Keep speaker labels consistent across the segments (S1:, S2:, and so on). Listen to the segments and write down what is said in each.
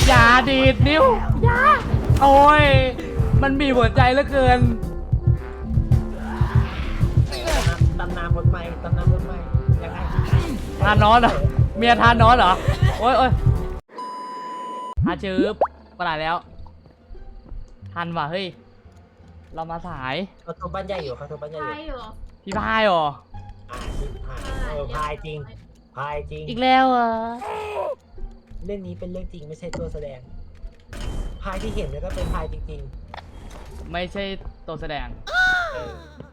S1: อย่าดีดนิ้วอย่าโอ้ยมันบีบหัวใจเหลือเกิน
S2: ตำนานคนใหม่ตำนานคนใหม่ยังไง
S1: ทานอนเหรอเมียทานอนเหรอโอ้ยโอ้ยชืบไปไหนแล้วทันว่ะเฮ้ยเรามาสาย
S2: เขาทุบบ้านใหญ่อยู่เขาทุบบ้านใหญ่
S3: ใช่
S2: อยู่
S3: เหรอ
S1: พี่พายเหรอ
S2: ชิบหายพายจริงพายจริง
S1: อีกแล้วเหรอ
S2: เรื่องนี้เป็นเรื่องจริงไม่ใช่ตัวแสดงพายที่เห็นเนี่ยก็เป็นพายจริง
S1: ไม่ใช่ตัวแสดง
S2: ๆเออ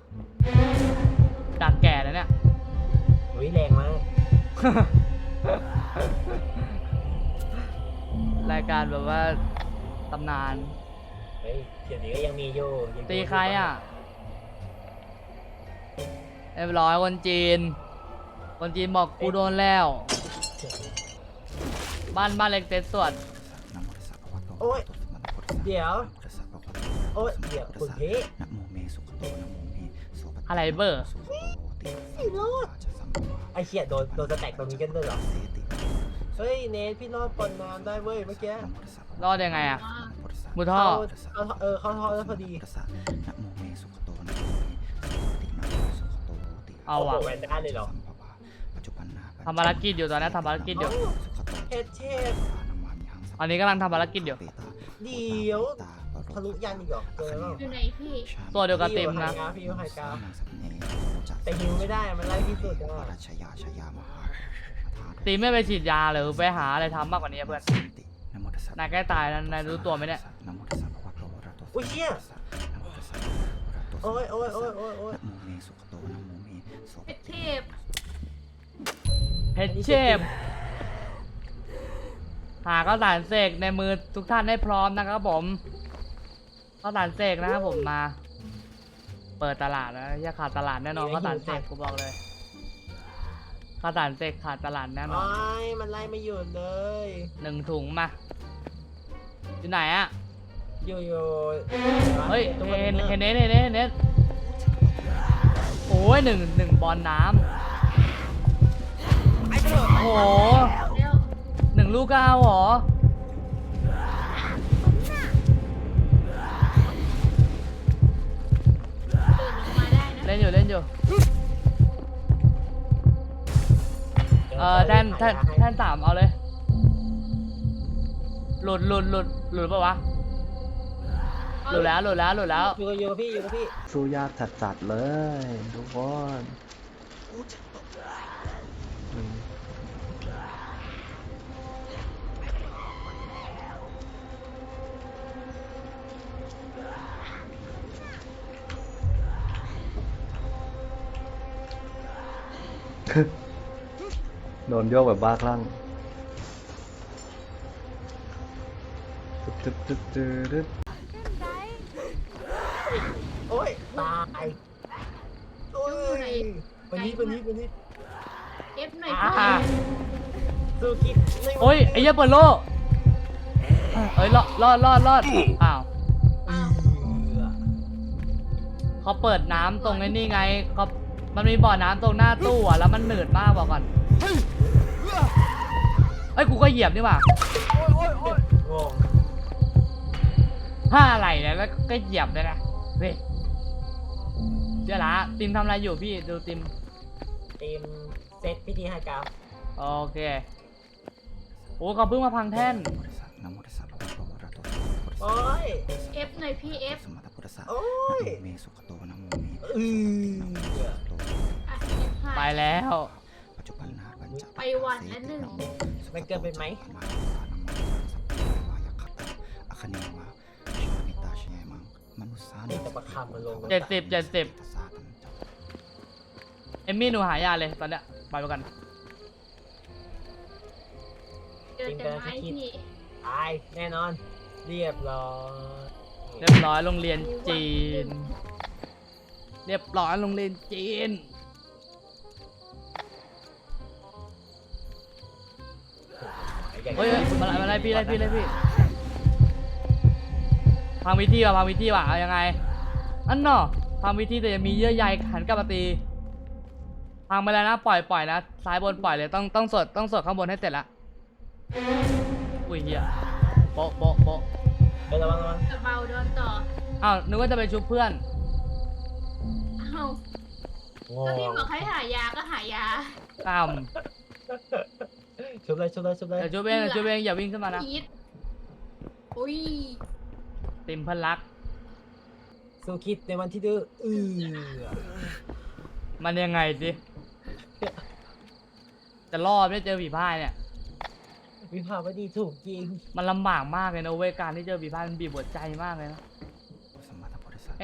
S1: ดักแก่แล้วเนี่ย
S2: อุ้ยแรงมาก
S1: รายการแบบว่าตำนาน
S2: เฮ้ยเดี๋ยวนี้ก็ยังมีอยู่ยัง
S1: ตีใครอ่ะเรียบร้อยคนจีนบอกกูโดนแล้ว บ้านเล็กเต็ดสวด
S2: โอ้ยเดี๋ยวโอ้ยเดี๋ยวคุณพี่
S1: อะไรเบอร์
S2: พี่รอดไอ้เชี่ยโดนสแต็กตรงนี้กันด้วยเหรอเฮ้ยเนทพี่รอดปนน้ำได้เว้ยเมื่อกี้
S1: รอดยังไงอ่ะ
S3: ว่า
S1: มุดท่อ
S2: เขาท่อแล้วพอดี
S1: เอาอ่ะ
S2: โโหแวนด้าเลยเหรอ
S1: ทำภารกิจอยู่ตอนนี้ทำภารกิจอยู่
S2: เฮดเชฟ
S1: อันนี้กำลังทำภารกิจอยู่
S2: เดี๋ยวทะลุยันอีกเหรอเจอแล้ว
S3: อยู่ไหนพี่
S1: ตัวเดียวกับเต็มนะ
S2: พี่อยู่ไฮกาแต่ฮิวไม่ได้มันไล่ที่สุดอ่ะ
S1: ตีไม่ไปฉีดยาหรือไปหาอะไรทำมากกว่านี้เพื่อนนายใกล้ตายแล้วนายรู้ตัวไหมเนี่ย
S2: อุ้ยเชี่ยโอ้ยโอ้ยโอ้ยโอ้ยโอ้ย
S3: เป็ดเทพ
S1: เพชรเชฟหาข้าวสารเสกในมือทุกท่านให้พร้อมนะครับผมข้าวสารเสกนะครับผมมา เปิดตลาดนะอย่าขาดตลาดแน่นอนข้าวสารเสกกูบอกเลยข้าวสารเสกขาดตลาดแน่นอน
S2: โอ้ยมันไล่ไม่หยุดเลย
S1: 1 ถุงมาอยู่ไหนอะ
S2: อยู่
S1: เฮ้ยเห็นเน็ตโอ้ยหนึ่งบอลน้ำโอ้โห
S3: แล้ว
S1: 1 ลูกก็เอาเหรอ
S3: ตื่นออกมาได้นะ
S1: เล่นอยู่ แท่น3เอาเลย หลุดปะวะ หลุดแล้ว
S2: อยู่กับพี่
S4: สู้ยากจัดๆเลยทุกคนโดนโยกแบบบ้าคลั่งตึ๊ด
S2: โอ้ยตายโอ้ยวันนี้
S3: เอฟหน่อย
S1: อ่า
S2: สู้คิดไม่
S1: โอ้ยไอ้เหี้ยเปิดโลเอ้ยรอดอ้าวเขาเปิดน้ำตรงไอ้นี่ไงเขามันมีบ่อน้ำตรงหน้าตู้อ่ะแล้วมันหนืดมากบอกก่อนเอ้ยกูก็เหยียบนี่หว่าง อะไรเนี่ยแล้วก็เหยียบเลยนะเฮ้ยเดี๋ยวละติมทำอะไรอยู่พี่ดูติม
S2: ทีมเซตพิธีไฮกา
S1: โอเคโอ้เขาเพิ่งมาพังแท่น
S2: โอ้ย
S3: เอฟหน่อยพี่เอฟ
S2: โอ้ย
S3: อ่ะ F5
S1: ไปแล้ว
S3: ไปวันละ1
S2: มันเกินไปไหม นี่แต่ประคำมันลง
S1: 70เอมมี่หนูหายาเลยตอนเนี้ยไปกัน
S3: เจอแต่ไม้พี่
S2: ตายแน่นอน เรียบร้อย
S1: เรียบร้อยโรงเรียนจีน เรียบร้อยโรงเรียนจีนเฮ้ยมาไล่พี่พังวิธีว่ะเอายังไงอันเนาะพังวิธีแต่ยังมีเยื่อใยหันกลับมาตีพังไปแล้วนะปล่อยนะซ้ายบนปล่อยเลยต้องสดข้างบนให้เสร็จละอุ้ยเหี้ยโป๊ะโป๊ะโป๊ะ
S2: ไประวังระวัง
S3: กระเบาโดนต่อ
S1: อ้าวนึกว่าจะไปชุบเพื่อน
S3: เอ้า
S2: โง่
S3: ก็พี่บอกให้หายาก็หายา
S1: ตาม
S2: ชุบเลยชุบเลยชุบเลย
S1: เดี๋ยวชุบเองเดี๋ยวชุบเองอย่าวิ่งขึ้นมานะ
S3: พีทอุ้ย
S1: ติมเพันรัก
S2: สู้คิดในวันที่ดื้อ
S1: มันยังไงดิจะรอดไม่เจอผีพ่ายเนี่ย
S2: วิภาวดีถูกจริง
S1: มันลำบากมากเลยนะเว้ยการที่เจอผีพ่ายมันบีบหัวใจมากเลยนะเอ๊ะ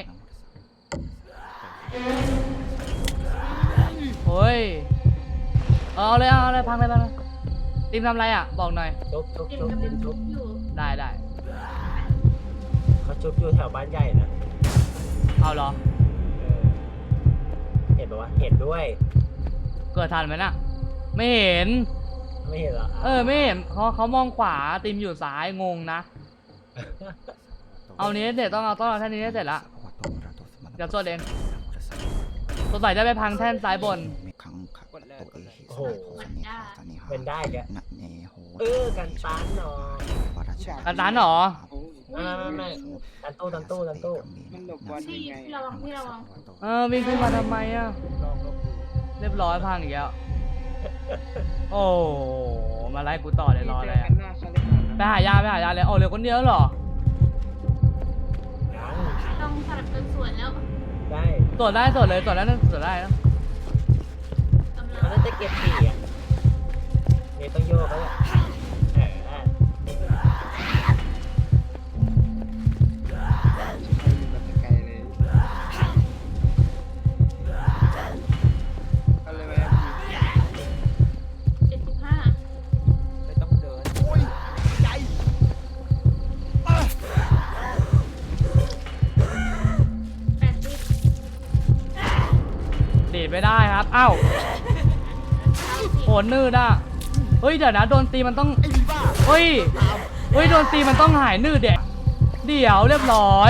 S1: โอ้ยเอาเลยเอาเลยพังเลยพังเลยติมทำอะไรอ่ะบอกหน่อย
S2: ชุบชุบ
S3: เต็ม
S2: ชุบ
S3: กำ
S2: ติ
S3: ลั
S2: ม
S3: ง
S2: ชุ
S3: ชุ
S2: บบ
S3: อยู่
S1: ได้ได้
S2: เขาชุบอยู่แถวบ้านใหญ่นะ
S1: เอาเหรอ
S2: เออเห็นปะวะเห็นด้วย
S1: เกิดทันไหมน่ะไม่เห็น
S2: ไม่เห็นเหรอ
S1: ไม่เห็นเขามองขวาติมอยู่ซ้ายงงนะ เอานี้เสร็จต้องเอาแท่นนี้ให้เสร็จละเดี๋ยวสวดเองสงสัยจะไปพังแท่นซ้ายบน
S2: โอ้โห
S3: มันได้
S2: เป็นได้แกกันตันเนาะ
S1: กันตันเหรอ
S2: ไม่ดันตู้ดันตู้ดันตู้
S5: มันหลบวัน
S3: พี่
S5: ยังไง
S3: พี่ระวังพี่ระวัง
S1: วิ่งขึ้นมาทำไมอ่ะ
S2: ลองลบดู
S1: เรียบร้อยพังอีกแล้วโอ้มาไล่กูต่อเลยรออะไร
S5: เจ
S1: อ่ะ
S5: กันหน้าคาลิฟา
S1: ไปหายาเลยเหลือคนเดียวเหรอ
S2: ยัง
S3: ต้องสลับกันสวนแล้ว
S2: ได้
S1: ตรวจได้ตรวจเลยตรวจได้นะตรวจได้นะ
S3: กำลั
S2: มัน
S3: ง
S2: น่าจะเก็บสี่อ่ะนี่ต้องโยกแล้วแหละ
S5: แบบไกลเลยก็เลยว่า
S3: 75
S2: ไม่ต้องเดิน
S3: 80
S1: ดีดไม่ได้ครับอ้าวโหนนืดอ่ะเฮ้ยเดี๋ยวนะโดนตีมันต้องเฮ้ยโดนตีมันต้องหายนืดเดี๋ยวเรียบร้อย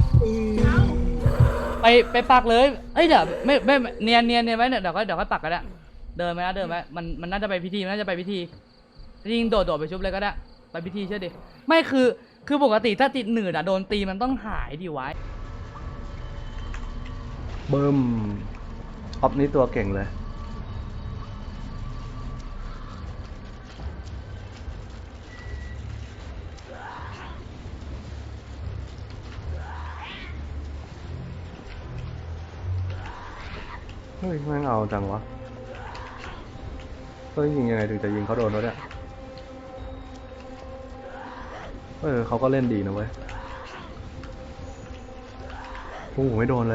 S1: ไปปักเลยเอ้ยเดี๋ยวไม่เนียนไว้เดี๋ยวค่อยปักก็ได้เดินไหมมันน่าจะไปพิธียิงโดดไปชุบเลยก็ได้ไปพิธีเชื่อดิไม่คือปกติถ้าติดหนืดโดนตีมันต้องหายดิไว้
S4: บึ้มออฟนี่ตัวเก่งเลย เฮ้ยแม่งเอาจังวะ เฮ้ยยิงยังไงถึงจะยิงเขาโดนวะเนี่ยเขาก็เล่นดีนะเว้ยโอ้โหไม่โดนเลย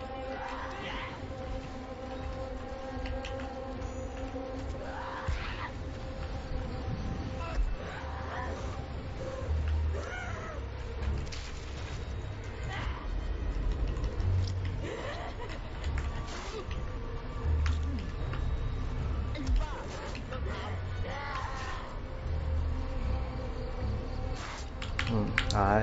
S4: ตาย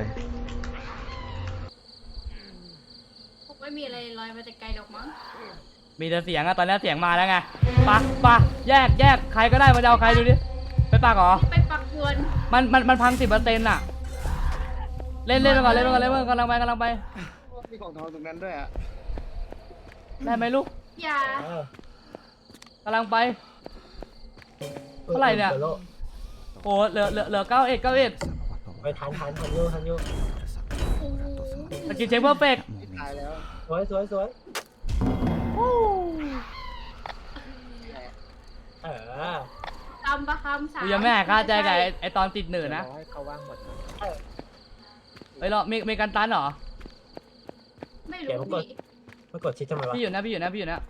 S3: คงไม่มีอะไรลอยมาแต่ไกลหรอกมั้ง
S1: มีแต่เสียงอะตอนนี้เสียงมาแล้วไงปะแยกใครก็ได้มาจะเอาใครดูดิไปปักเหรอ
S3: ไปปักยวน
S1: มันพัง10%อะเล่นไปก่อนกำลังไป
S5: มีของทองตรงนั้นด้วยอ่ะ
S1: ได้ไหมลูก
S3: อย่าก
S1: ำลังไป เท่าไหร่เนี่ย โอ้เหลือ91
S2: ไปทันโยทันโย
S3: โอ้โห
S1: สกิลเช็คเพอร์เฟกต์
S5: ไม่ตายแล้ว
S2: สวย
S3: คำประคำสาม
S1: กูยังไม่หายค่าใจกับไอตอนติดหนืดนะ
S2: ให้เขาว่างหมด
S1: เฮ้ยเรามีกันตันเหรอ
S3: ไม่รู้พี่
S2: ไม่กดชิดทำไมวะ
S1: พี่อยู่นะ
S3: พี่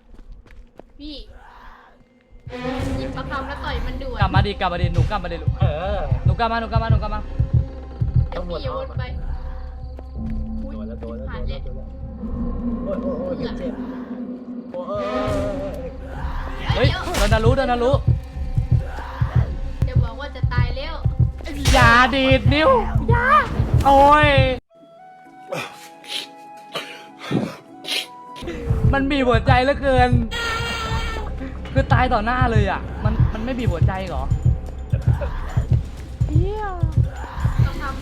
S3: หยิบประคำแล้วต่อยมันด่วน
S1: กลับมาดิหนูกลับมาดิลูกหนูกลับมา
S3: เดี๋ยวพี่โยนไปอุ๊ย
S2: โดนแล้ว
S3: ผ่านเลย
S2: โอ้ยเจ็บโอ้ย
S1: เฮ้ยโดนนารุ
S3: เดี๋ยวบอกว่าจะตายแล้ว
S1: อย่าดีดนิ้วอย่าโอ้ยมันบีบหัวใจเหลือเกิน คือตายต่อหน้าเลยอ่ะมันไม่บีบหัวใจเหรอเฮีย
S3: ต้องทำ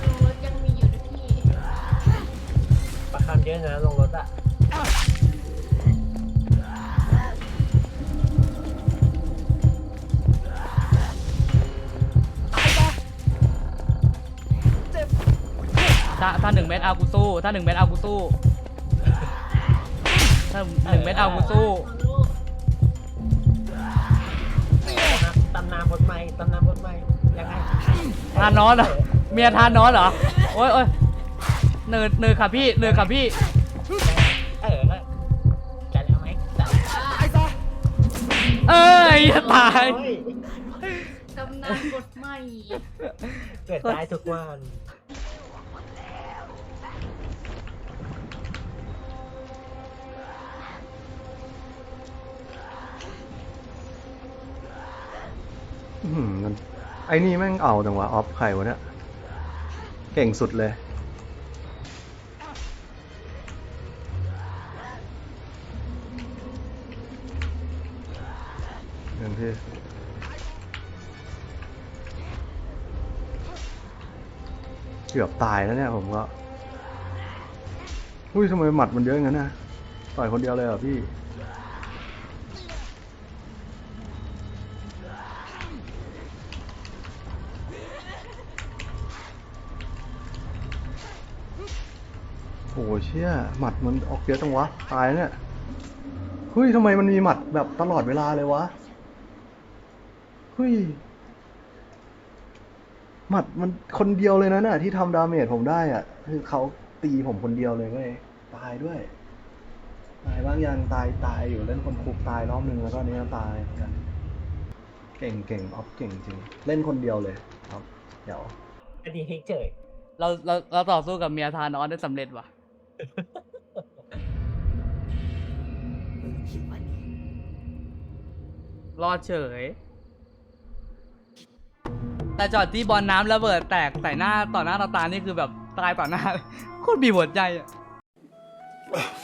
S2: ด้วยนะลงรถอ่ะ
S1: ถ้า1 เม็ดเอากูสู้ถ้า1 เม็ดเอากูสู้ถ้า1 เม็ดเอากูสู้
S2: ตำนานบทใหม่ตำนานบทใหม่ยังไง
S1: ทานน้อนเหรอเมียทานน้อนเหรอโอ้ยเนิร์ดค่ะพี่เนิร์ดค่ะพี่
S2: จัดเอาไหมจัด
S1: เอ้ยจะตาย
S2: โอ้ย
S3: ตำนานบทใหม่
S2: เกิดได้ทุกวัน
S4: มันไอ้นี่แม่งเอาจังวะออฟใครวะเนี่ยเก่งสุดเลยเงินพี่เกือบตายแล้วเนี่ยผมก็อุ้ยทำไมหมัดมันเยอะอย่างนั้นนะต่อยคนเดียวเลยเหรอพี่โอ้เชี่ยหมัดมันออกเยอะจังวะตายเนี่ยเฮ้ยทำไมมันมีหมัดแบบตลอดเวลาเลยวะเฮ้ยหมัดมันคนเดียวเลยนะเนี่ยที่ทำดาเมจผมได้อ่ะคือเขาตีผมคนเดียวเลยเว้ยตายด้วยตายบ้างยังตายอยู่เล่นคนคุกตายรอบนึงแล้วก็อันนี้ก็ตายเหมือนกันเก่งออฟเก่งจริงเล่นคนเดียวเลยครับเดี๋ยว
S2: อันนี้ให้เฉย
S1: เราต่อสู้กับเมียทานน้อนได้สำเร็จว่ะรอดเฉย แต่จอดที่บอลน้ำระเบิดแตกใส่หน้าต่อหน้าต่อตานี่คือแบบตายต่อหน้า โคตรบีบหัวใจอ่ะ